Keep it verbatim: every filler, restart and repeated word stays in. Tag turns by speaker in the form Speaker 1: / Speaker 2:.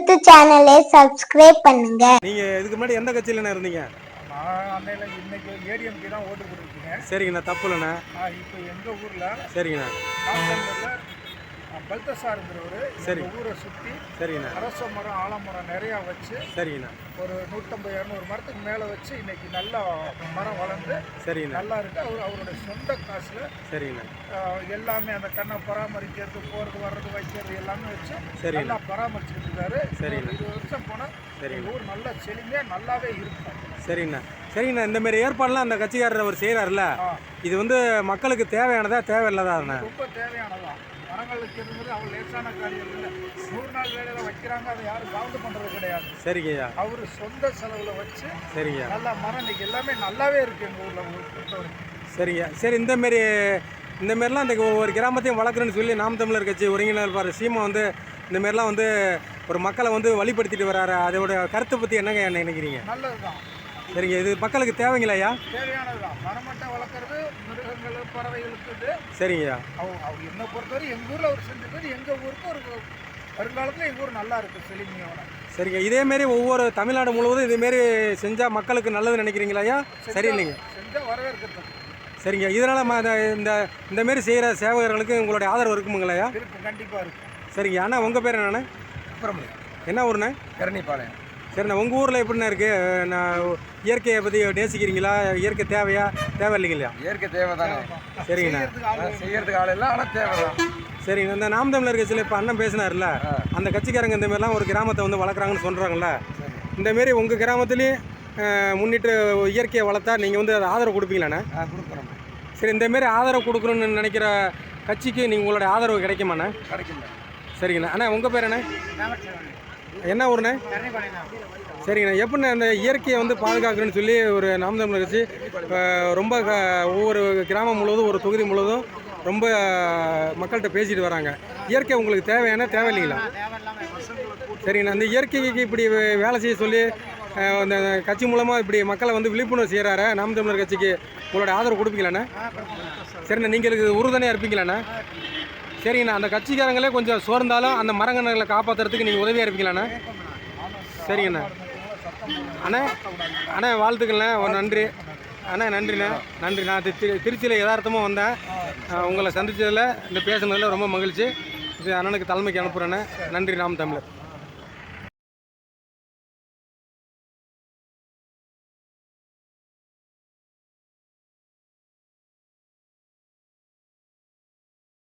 Speaker 1: YouTube சேனலை subscribe பண்ணுங்க.
Speaker 2: நீங்க இதுக்கு முன்னாடி எந்த கட்சியில இருந்தீங்க?
Speaker 3: நான் அன்னையில இன்னைக்கு ஏடிஎம்கே தான் ஓட்டு போட்டுருக்கேன்.
Speaker 2: சரிங்கண்ணா, தப்பு இல்லைண்ணா.
Speaker 3: இப்போ எங்கள் ஊரில்
Speaker 2: சரிங்கண்ணா
Speaker 3: நாகூரில் பல்தசாருங்கிறவர் சரி ஊரை சுற்றி சரிங்கண்ணா அரச மரம் ஆலமரம் நிறையா வச்சு சரிங்கண்ணா ஒரு நூற்றம்பது இரநூறு மரத்துக்கு மேலே வச்சு இன்னைக்கு நல்லா மரம் வளர்ந்து சரிங்கண்ணா நல்லா இருக்குது. அவர் அவருடைய சொந்த காசில் சரிங்கண்ணா எல்லாமே அந்த கண்ணை பராமரிக்கிறது, போகிறது வர்றது வைக்கிறது எல்லாமே வச்சு சரி நல்லா பராமரிச்சுட்டு இருக்காரு. சரி இருபது வருஷம் போனால் சரி ஊர் நல்லா செழிமையாக நல்லாவே இருக்கும்.
Speaker 2: சரிங்கண்ணா சரிங்கண்ணா இந்த மாதிரி ஏற்பாடுலாம் அந்த கட்சிக்காரர் அவர் செய்கிறாருல்ல, இது வந்து மக்களுக்கு தேவையானதா தேவையில்லதா?
Speaker 3: ரொம்ப தேவையானதா. மரங்கள் வைக்கிறது அவர் லேசான காரியம் இல்லை. நூறு நாள் வேலையில் வைக்கிறாங்க, அதை யாரும் கவுண்ட் பண்ணுறது கிடையாது.
Speaker 2: சரிங்கய்யா,
Speaker 3: அவர் சொந்த செலவில் வச்சு
Speaker 2: சரிங்க
Speaker 3: நல்லா மரம் இன்னைக்கு எல்லாமே நல்லாவே இருக்குது எங்கள் ஊரில் பொறுத்தவரைக்கும்.
Speaker 2: சரிங்க சரி இந்த மாரி இந்த மாரிலாம் இந்த ஒவ்வொரு கிராமத்தையும் வளர்க்குறேன்னு சொல்லி நாம் தமிழர் கட்சி ஒருங்கிணைப்பார் சீமா வந்து இந்த மாரிலாம் வந்து ஒரு மக்களை வந்து வழிபடுத்திட்டு வராரு. அதோட கருத்தை பற்றி என்னங்க என்ன நினைக்கிறீங்க?
Speaker 3: நல்லது தான்.
Speaker 2: சரிங்க, இது மக்களுக்கு தேவைங்களா ஐயா?
Speaker 3: தேவையானது தான். மரமட்டை வளர்க்குறது மிருகங்கள் பறவைகளுக்கு இது
Speaker 2: சரிங்கய்யா.
Speaker 3: அவங்க அவங்க என்னை பொறுத்தவரை எங்கள் ஊரில் அவர் செஞ்சது எங்கள் ஊருக்கு ஒரு வருங்காலத்தில் எங்கள் ஊர் நல்லா இருக்குது செழிமையோட.
Speaker 2: சரிங்க, இதேமாரி ஒவ்வொரு தமிழ்நாடு முழுவதும் இதேமாரி செஞ்சால் மக்களுக்கு நல்லது நினைக்கிறீங்களா ஐயா? சரி இல்லைங்க,
Speaker 3: செஞ்சால் வரவேற்கிறது.
Speaker 2: சரிங்க, இதனால் இந்த இந்தமாரி செய்கிற சேவகர்களுக்கு உங்களுடைய ஆதரவு இருக்குமுங்களையா?
Speaker 3: இருக்கும், கண்டிப்பாக இருக்கும்.
Speaker 2: சரிங்க அண்ணா, உங்கள் பேர் என்னண்ணே?
Speaker 3: சுப்பிரமணியம்.
Speaker 2: என்ன ஊருண்ணே?
Speaker 3: கரணிப்பாளையம்.
Speaker 2: சரிண்ணா, உங்கள் ஊரில் எப்படிண்ணா இருக்குது? நான் இயற்கையை பற்றி நேசிக்கிறீங்களா? இயற்கை தேவையா தேவை இல்லைங்களா?
Speaker 3: இயற்கை தேவை தானே.
Speaker 2: சரிங்கண்ணா,
Speaker 3: செய்யறதுக்கு ஆள் இல்லை, ஆனால் தேவை தான்.
Speaker 2: சரிங்கண்ணா, இந்த நாம் தமிழர் கட்சியில் இப்போ அண்ணன் பேசினார்ல, அந்த கட்சிக்காரங்க இந்த மாதிரிலாம் ஒரு கிராமத்தை வந்து வளர்க்குறாங்கன்னு சொல்கிறாங்கல்ல, இந்தமாரி உங்கள் கிராமத்துலேயும் முன்னிட்டு இயற்கையை வளர்த்தா நீங்கள் வந்து அதை ஆதரவு கொடுப்பீங்களாண்ணே?
Speaker 3: கொடுக்குறோம்.
Speaker 2: சரி, இந்தமாரி ஆதரவு கொடுக்கணுன்னு நினைக்கிற கட்சிக்கு நீங்கள் உங்களுடைய ஆதரவு கிடைக்குமாண்ணே?
Speaker 3: கிடைக்கும்.
Speaker 2: சரிங்கண்ணா. அண்ணா உங்கள் பேர் என்ன? என்ன ஊருண்ணே? சரிங்கண்ணா, எப்படிண்ணா இந்த இயற்கையை வந்து பாதுகாக்கணும்னு சொல்லி ஒரு நாம் தமிழர் கட்சி ரொம்ப ஒவ்வொரு கிராமம் முழுவதும் ஒரு தொகுதி முழுவதும் ரொம்ப மக்கள்கிட்ட பேசிட்டு வராங்க. இயற்கை உங்களுக்கு தேவையான தேவை இல்லைங்களா? சரிங்கண்ணா, இந்த இயற்கைக்கு இப்படி வேலை செய்ய சொல்லி அந்த கட்சி மூலமாக இப்படி மக்களை வந்து விழிப்புணர்வு செய்கிறாரு நாம் தமிழர் கட்சிக்கு உங்களோட ஆதரவு கொடுப்பீங்களாண்ணே? சரிண்ணா, நீங்கள் இதுக்கு உறுதுணையாக இருப்பீங்களாண்ணே? சரிங்கண்ணா, அந்த கட்சிக்காரங்களே கொஞ்சம் சோர்ந்தாலும் அந்த மரங்கன்றுகளை காப்பாற்றுறதுக்கு நீங்கள் உதவியாக இருப்பீங்களாண்ணே? சரிங்கண்ணா. அண்ணா அண்ணா வாழ்த்துக்கள்ண்ணே, ஒரு நன்றி அண்ணா. நன்றிண்ணே, நன்றி. நான் திரு திருச்சியில் யதார்த்தமாக வந்தேன், உங்களை சந்தித்ததில் இந்த பேசுனதில் ரொம்ப மகிழ்ச்சி. இது அண்ணனுக்கு தலைமைக்கு அனுப்புகிறேண்ணே. நன்றி. நாம் தமிழர்.